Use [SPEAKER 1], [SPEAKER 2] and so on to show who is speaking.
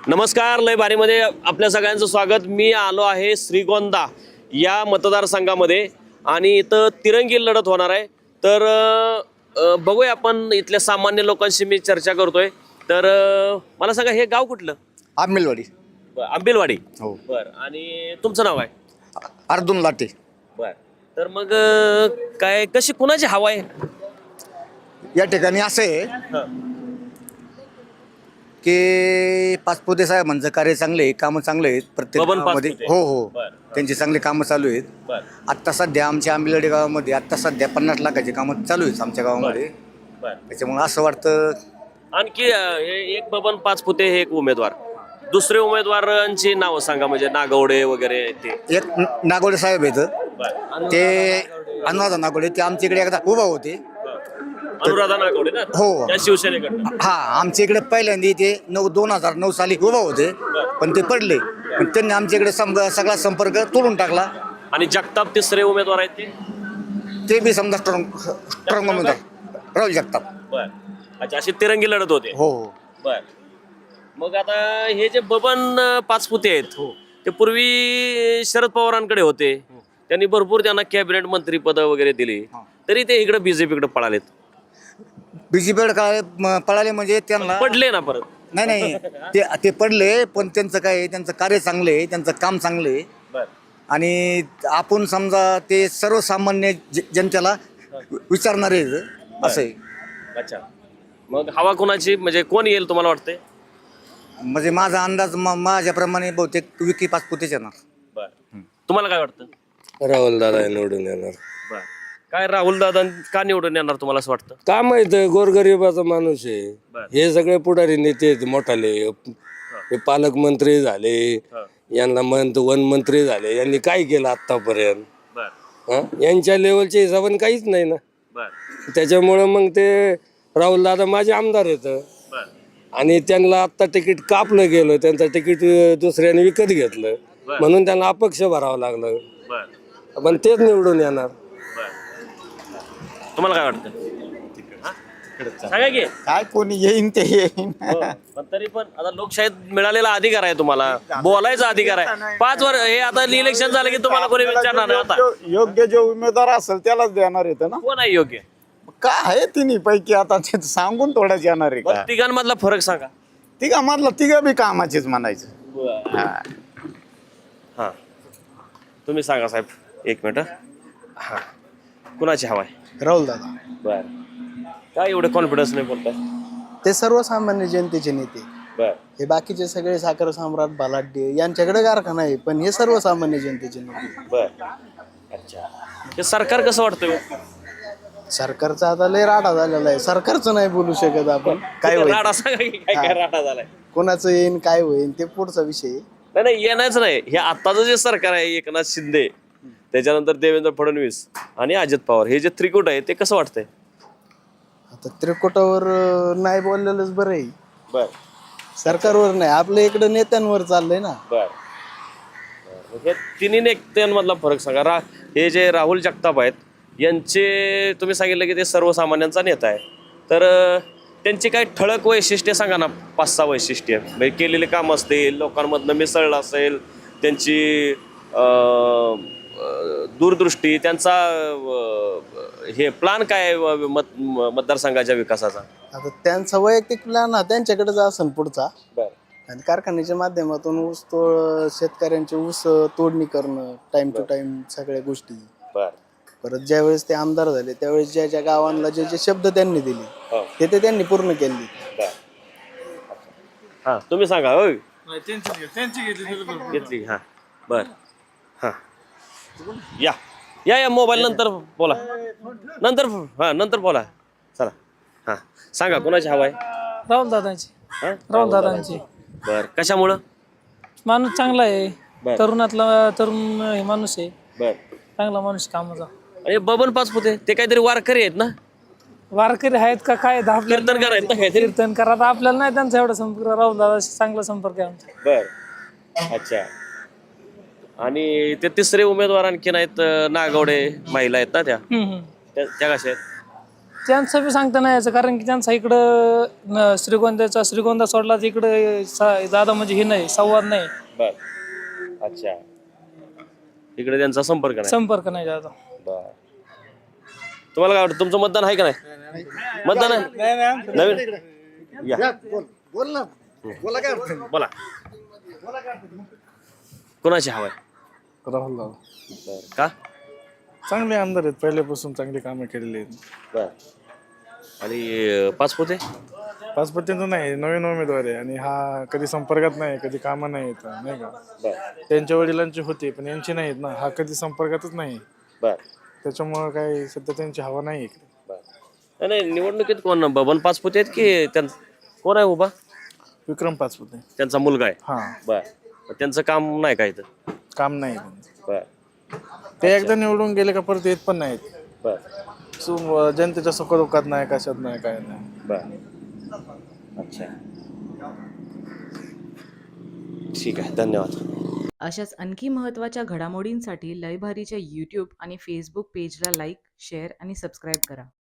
[SPEAKER 1] नमस्कार, लय भारीमध्ये आपल्या सगळ्यांचं स्वागत. मी आलो आहे श्रीगोंदा या मतदारसंघामध्ये आणि इथं तिरंगी लढत होणार आहे. तर बघूया आपण इथल्या सामान्य लोकांशी मी चर्चा करतोय. तर मला सांगा, हे गाव कुठलं?
[SPEAKER 2] आंबेलवाडी.
[SPEAKER 1] आंबेलवाडी.
[SPEAKER 2] हो.
[SPEAKER 1] बर. आणि तुमचं नाव आहे?
[SPEAKER 2] अर्जुन लाटे.
[SPEAKER 1] बर. तर मग काय कशी कुणाची हवा आहे
[SPEAKER 2] या ठिकाणी असं आहे
[SPEAKER 1] हं.
[SPEAKER 2] की पाचपुते साहेबांचं कार्य चांगले आहे, कामं चांगले आहेत प्रत्येक
[SPEAKER 1] बबन
[SPEAKER 2] गावामध्ये.
[SPEAKER 1] पाचपुते.
[SPEAKER 2] हो हो,
[SPEAKER 1] बरं.
[SPEAKER 2] त्यांची चांगली कामं चालू आहेत.
[SPEAKER 1] बर.
[SPEAKER 2] आत्ता सध्या आमच्या आंबेलवाडी गावामध्ये आत्ता सध्या 50 लाखाची कामं चालू आहेत आमच्या गावामध्ये.
[SPEAKER 1] बर.
[SPEAKER 2] त्याच्यामुळे असं वाटतं
[SPEAKER 1] आणखी हे एक बबन पाचपुते हे एक उमेदवार, दुसरे उमेदवारांची नावं सांगा, म्हणजे नागवडे वगैरे ते.
[SPEAKER 2] एक नागोडे साहेब आहेत,
[SPEAKER 1] बर.
[SPEAKER 2] ते अनुराधा नागोडे, ते आमच्या इकडे एकदा उभा होते.
[SPEAKER 1] अनुराधा नागवडे ना?
[SPEAKER 2] हो.
[SPEAKER 1] त्या शिवसेनेकडनं.
[SPEAKER 2] हा, आमच्या इकडे पहिल्यांदा ते 2009 साली उभा होते, पण ते पडले. पण त्यांनी आमच्या इकडे सगळा संपर्क तोडून टाकला.
[SPEAKER 1] आणि जगताप तिसरे उमेदवार आहेत ते.
[SPEAKER 2] ते बी समजा स्ट्रॉंग उमेदवार राहुल जगताप.
[SPEAKER 1] बर. अच्छा, अशी तिरंगी लढत होते.
[SPEAKER 2] हो हो.
[SPEAKER 1] बर. मग आता हे जे बबन पाचपुते आहेत, ते पूर्वी शरद पवारांकडे होते. त्यांनी भरपूर त्यांना कॅबिनेट मंत्री पद वगैरे दिली, तरी ते इकडे बीजेपीकडे पळालेत.
[SPEAKER 2] बीजेपीकडे काय पळाले म्हणजे त्यांना
[SPEAKER 1] पडले ना परत.
[SPEAKER 2] नाही ते पडले, पण त्यांचं काय आहे, त्यांचं कार्य चांगलं आहे, त्यांचं काम चांगलं आहे.
[SPEAKER 1] बर.
[SPEAKER 2] आणि आपण समजा ते सर्वसामान्य जनतेला विचारणारे आहेत, असं आहे.
[SPEAKER 1] अच्छा, मग हवा कोणाची, म्हणजे कोण येईल तुम्हाला वाटतंय?
[SPEAKER 2] म्हणजे माझा अंदाज माझ्याप्रमाणे बहुतेक विकी पाचपुतेच येणार.
[SPEAKER 1] बर. तुम्हाला काय वाटतं?
[SPEAKER 3] राहुल दादा निवडून येणार.
[SPEAKER 1] बर. काय राहुल दादा का निवडून येणार तुम्हाला असं वाटतं?
[SPEAKER 3] का माहित, गोरगरिबाचा माणूस आहे.
[SPEAKER 1] बर.
[SPEAKER 3] हे सगळे पुढारी नेते आहेत मोठाले, हे पालकमंत्री झाले, यांना वन मंत्री झाले, यांनी काय केलं आतापर्यंत?
[SPEAKER 1] बर.
[SPEAKER 3] यांच्या लेवलच्या हिशोबाने काहीच नाही ना.
[SPEAKER 1] बर.
[SPEAKER 3] त्याच्यामुळं मग ते राहुल दादा माझे आमदार आहेत.
[SPEAKER 1] बर.
[SPEAKER 3] आणि त्यांना आत्ता तिकीट कापलं गेलं, त्यांचं तिकीट दुसऱ्याने विकत घेतलं, म्हणून त्यांना अपक्ष भरावं लागलं.
[SPEAKER 1] बर.
[SPEAKER 3] पण तेच निवडून येणार.
[SPEAKER 1] तुम्हाला काय वाटतं? सांगा की.
[SPEAKER 2] काय कोणी येईन ते येईन.
[SPEAKER 1] हो. पण तरी पण आता लोकशाहीत मिळालेला अधिकार आहे, तुम्हाला बोलायचा अधिकार आहे. 5 वर्ष हे आता इलेक्शन झालं की तुम्हाला कोणी विचारणार नाही. आता
[SPEAKER 4] योग्य जो उमेदवार असेल त्यालाच देणार येतं ना.
[SPEAKER 1] कोण आहे योग्य?
[SPEAKER 4] काय आहे तिन्ही पैकी आता ते सांगून थोडंच येणार आहे का?
[SPEAKER 1] तिघांमधला फरक सांगा.
[SPEAKER 4] तिघा मधला तिघा बी कामाचीच म्हणायचं.
[SPEAKER 1] हा, तुम्ही सांगा साहेब, एक मिनिट. हा, कुणाची हवा आहे?
[SPEAKER 5] राहुल दादा.
[SPEAKER 1] बर. काय एवढं कॉन्फिडन्स नाही बोलताय?
[SPEAKER 5] ते सर्वसामान्य जनतेचे नेते.
[SPEAKER 1] बर.
[SPEAKER 5] हे बाकीचे सगळे साखर सम्राट बलाढ्य यांच्याकडे कारखाना आहे, पण हे सर्वसामान्य जनतेचे नेते.
[SPEAKER 1] बर. अच्छा, हे सरकार कसं वाटतंय?
[SPEAKER 5] सरकारचा आता लय राडा झालेला आहे. सरकारचं नाही बोलू शकत आपण. काय होईल,
[SPEAKER 1] राडा सांगा की, काय काय राडा झालाय?
[SPEAKER 5] कोणाचं येईन काय होईल ते पुढचा विषय आहे.
[SPEAKER 1] नाही नाही, येणारच नाही. हे आताचं जे सरकार आहे, एकनाथ शिंदे, त्याच्यानंतर देवेंद्र फडणवीस आणि अजित पवार, हे जे त्रिकूट आहे, ते कसं वाटतंय?
[SPEAKER 5] आता त्रिकुटावर नाही बोललेलंच बरं आहे.
[SPEAKER 1] बर.
[SPEAKER 5] सरकारवर नाही, आपल्या इकडे नेत्यांवर चाललंय ना.
[SPEAKER 1] बर. हे तिन्ही नेत्यांमधला फरक सांगा. हे जे राहुल जगताप आहेत, यांचे तुम्ही सांगितलं की ते सर्वसामान्यांचा नेता आहे, तर त्यांची काही ठळक वैशिष्ट्ये सांगा ना, 5-6 वैशिष्ट्ये. म्हणजे केलेले काम असतील, लोकांमधनं मिसळलं असेल, त्यांची दूरदृष्टी, त्यांचा हे प्लान काय आहे मतदारसंघाच्या विकासाचा?
[SPEAKER 5] आता त्यांचा वैयक्तिक प्लॅन हा त्यांच्याकडेच असेल पुढचा.
[SPEAKER 1] बर.
[SPEAKER 5] आणि कारखान्याच्या माध्यमातून ऊस तोड, शेतकऱ्यांचे ऊस तोडणी करणं, टाइम टू टाइम सगळ्या गोष्टी.
[SPEAKER 1] बर.
[SPEAKER 5] परत ज्या वेळेस ते आमदार झाले त्यावेळेस ज्या ज्या गावांना जे जे शब्द त्यांनी दिले ते त्यांनी पूर्ण केले.
[SPEAKER 1] हा, तुम्ही सांगा. होय, घेतली. हा. बर. हा, या या या मोबाईल नंतर बोला, नंतर बोला. चला. हा, सांगा कुणाची हवा आहे?
[SPEAKER 6] राहुल दादांची.
[SPEAKER 1] हा?
[SPEAKER 6] राहुल दादांची.
[SPEAKER 1] बर. कशामुळं?
[SPEAKER 6] माणूस चांगला आहे,
[SPEAKER 1] बर.
[SPEAKER 6] तरुणातला तरुण हे माणूस आहे,
[SPEAKER 1] बर.
[SPEAKER 6] चांगला माणूस कामाचा.
[SPEAKER 1] आणि बबन पाचपुते ते काहीतरी वारकरी आहेत ना?
[SPEAKER 6] वारकरी आहेत का काय?
[SPEAKER 1] कीर्तनकार आहेत ना काहीतरी?
[SPEAKER 6] कीर्तनकार. आता आपल्याला नाही त्यांचा एवढा संपर्क. राहुल दादाशी चांगला संपर्क आहे आमचा.
[SPEAKER 1] बर. अच्छा. आणि ते तिसरे उमेदवार आणखीन आहेत, नागवडे महिला आहेत ना, त्या कशा आहेत?
[SPEAKER 6] त्यांचं बी सांगता नाही यायचं, कारण की त्यांचा इकडं श्रीगोंदा सोडला तर इकडं दादा म्हणजे हे नाही, संवाद नाही,
[SPEAKER 1] बर अच्छा, इकडे त्यांचा संपर्क नाही.
[SPEAKER 6] संपर्क नाही दादा.
[SPEAKER 1] बर तुम्हाला काय वाटतं, तुमचं मतदान आहे का नाही? मतदान आहे नवीन या
[SPEAKER 2] बोल ना, बोला काय अडचण नाही.
[SPEAKER 1] बोला कोणाची हवा आहे?
[SPEAKER 4] राहुल दादा
[SPEAKER 1] बर का?
[SPEAKER 4] चांगले आमदार आहेत, पहिल्यापासून चांगली कामं केलेली आहेत.
[SPEAKER 1] बर आणि पाचपुते?
[SPEAKER 4] पाचपत्तीचं नाही, नवीन उमेदवार आहे आणि हा कधी संपर्कात नाही, कधी कामं नाही येत नाही का.
[SPEAKER 1] बर
[SPEAKER 4] त्यांच्या वडिलांची होती पण यांची नाहीत ना, हा कधी संपर्कातच नाही,
[SPEAKER 1] बर
[SPEAKER 4] त्याच्यामुळं काही सध्या त्यांची हवा नाही इकडे.
[SPEAKER 1] बर नाही निवडणुकीत कोण बबन पाचपुते आहेत की कोण आहे उभा?
[SPEAKER 4] विक्रम पाचपुते.
[SPEAKER 1] त्यांचा मुलगा आहे.
[SPEAKER 4] हा,
[SPEAKER 1] बर त्यांचं काम नाही काय तर?
[SPEAKER 4] काम नाही त्यांचं.
[SPEAKER 1] बर
[SPEAKER 4] ते एकदा निवडून गेले का परत येत पण नाहीत.
[SPEAKER 1] बर
[SPEAKER 4] जनतेच्या सुखदुःखात नाही, कशात नाही, काय नाही.
[SPEAKER 1] बर अच्छा ठीक आहे, धन्यवाद.
[SPEAKER 7] अशाच आणखी महत्त्वाच्या घडामोडींसाठी लयभारीच्या यूट्यूब आणि फेसबुक पेजला लाईक, शेअर आणि सबस्क्राईब करा.